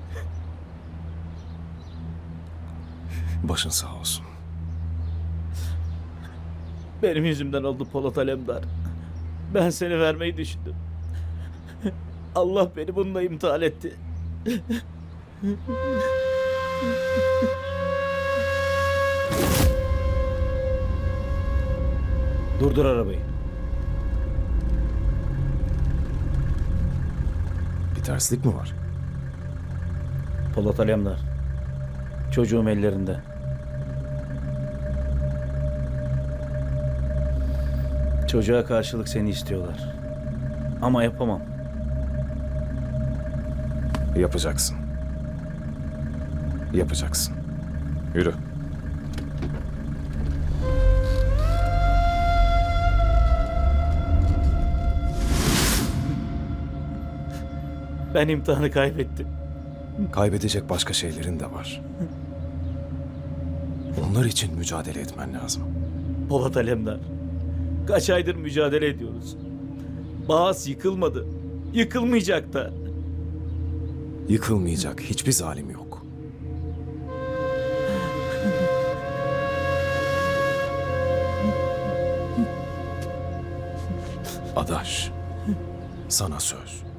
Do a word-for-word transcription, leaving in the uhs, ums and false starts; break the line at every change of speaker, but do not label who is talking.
Başın sağ olsun.
Benim yüzümden oldu Polat Alemdar. Ben seni vermeyi düşündüm. Allah beni bununla imtihan etti. Durdur arabayı.
Bir terslik mi var?
Polat Alemdar. Çocuğum ellerinde. Çocuğa karşılık seni istiyorlar. Ama yapamam.
Yapacaksın. Yapacaksın. Yürü.
Ben imtihanı kaybettim.
Kaybedecek başka şeylerin de var. Onlar için mücadele etmen lazım.
Polat Alemdar. Kaç aydır mücadele ediyoruz. Bağız yıkılmadı. Yıkılmayacak da.
Yıkılmayacak hiçbir zalim yok. Adaş, sana söz.